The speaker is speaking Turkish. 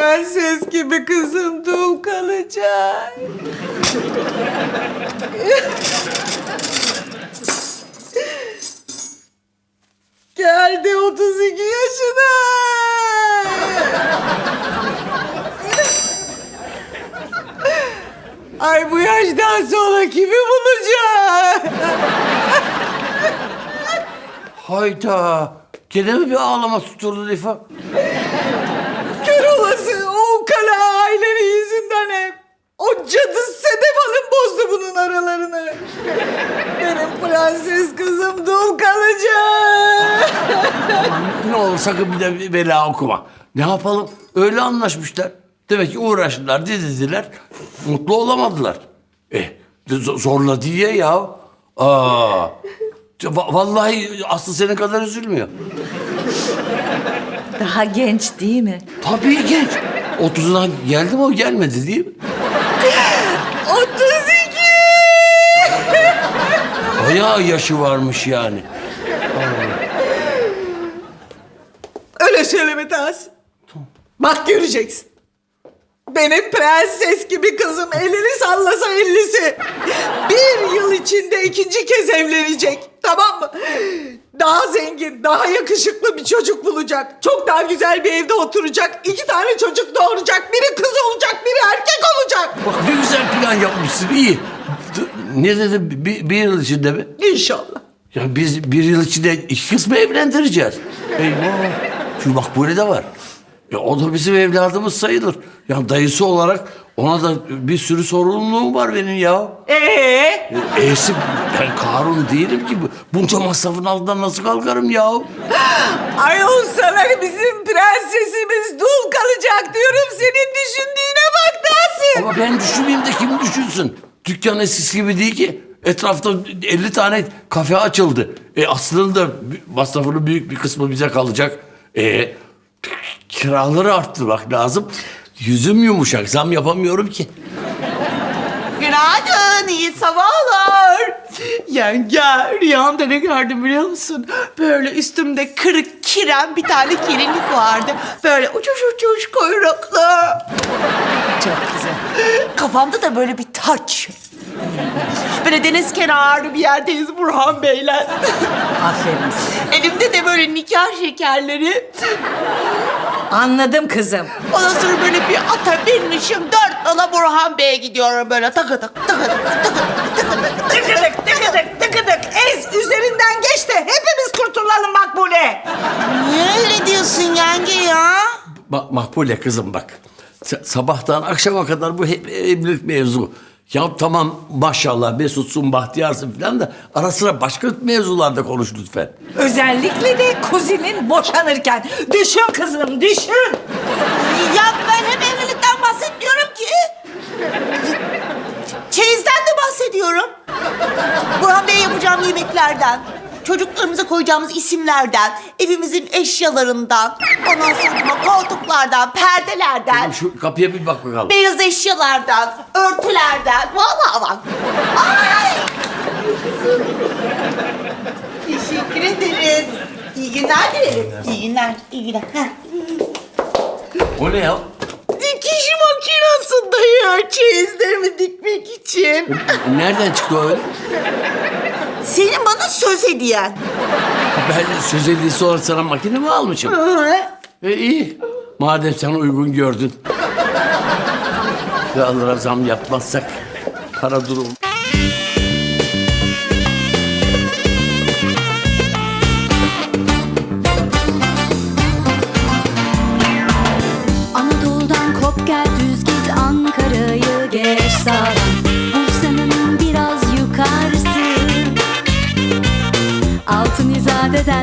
prenses gibi kızım dul kalacak. Geldi 32 yaşına. Ay bu yaştan sonra kimi bulacak? Hayda. Gene mi bir ağlama tutturdu Rifa? Kör olası o ukala ailenin yüzünden hep. O cadı Sedef Hanım bozdu bunun aralarını. Benim prenses kızım dul kalacak. Ne olur sakın bir de bela okuma. Ne yapalım? Öyle anlaşmışlar. Demek ki uğraştılar, didildiler. Mutlu olamadılar. Zorla diye ya. Vallahi Aslı senin kadar üzülmüyor. Daha genç değil mi? Tabii genç. 30'una geldi mi o gelmedi değil mi? 32! Bayağı yaşı varmış yani. Öyle söyleme Tahsin. Bak göreceksin. Benim prenses gibi kızım elini sallasa ellisi. 1 yıl içinde 2. kez evlenecek. Tamam mı? Daha zengin, daha yakışıklı bir çocuk bulacak. Çok daha güzel bir evde oturacak. 2 tane çocuk doğuracak. Biri kız olacak, biri erkek olacak. Bak ne güzel plan yapmışsın, iyi. Ne dedim, bir yıl içinde mi? İnşallah. Ya biz 1 yıl içinde 2 kız mı evlendireceğiz? Eyvah. Şu Makbule de var. O da bizim evladımız sayılır. Ya dayısı olarak ona da bir sürü sorumluluğum var benim ya. E'si ben Karun değilim ki. Bunca masrafın altından nasıl kalkarım ya? Ayol sana bizim prensesimiz dul kalacak diyorum. Senin düşündüğüne bak Tahsin. Ama ben düşünmeyeyim de kim düşünsün? Dükkan eskisi gibi değil ki. Etrafta 50 tane kafe açıldı. Aslı'nın da masrafının büyük bir kısmı bize kalacak. Kiraları arttırmak lazım. Yüzüm yumuşak, zam yapamıyorum ki. Günaydın, iyi sabahlar. Yenge, rüyamda ne gördüm biliyor musun? Böyle üstümde kırık kiren bir tane kirinlik vardı. Böyle uçuş uçuş kuyruklu. Çok güzel. Kafamda da böyle bir taç. Böyle deniz kenarı bir yerdeyiz Burhan Bey'le. Aferin size. Elimde de böyle nikah şekerleri. Anladım kızım. Ondan sonra böyle bir ata binmişim. 4 nala Burhan Bey'e gidiyorum böyle takıdık takıdık takıdık takıdık. Tıkıdık tıkıdık tıkıdık. Ez üzerinden geç de hepimiz kurtulalım Makbule. Niye öyle diyorsun yenge ya? Makbule kızım bak. Sabahtan akşama kadar bu hep evlilik mevzu. Ya tamam maşallah Mesut'sun, bahtiyarsın falan da ara sıra başka mevzularda konuş lütfen. Özellikle de kuzinin boşanırken. Düşün kızım, düşün. Ya ben hep evlilikten bahsetmiyorum ki. Çeyizden de bahsediyorum. Burhan Bey'e yapacağım yemeklerden, çocuklarımıza koyacağımız isimlerden, evimizin eşyalarından, ondan sonra koltuklardan, perdelerden, Şu kapıya bir bak bakalım. beyaz eşyalardan, örtülerden. Vallahi bak. Ay! Teşekkür ederiz. İyi günler dilerim. İyi günler, iyi günler. Heh. O ne ya? Dikiş makinesi dayı, çeyizlerimi dikmek için. Nereden çıktı o öyle? Senin bana söz hediyen. Ben söz edilisi olarak sana makine mi almışım? İyi. Madem sen uygun gördün. Kiralara zam yapmazsak para durum. Anadolu'dan kop gel düz git Ankara'yı geç sağdan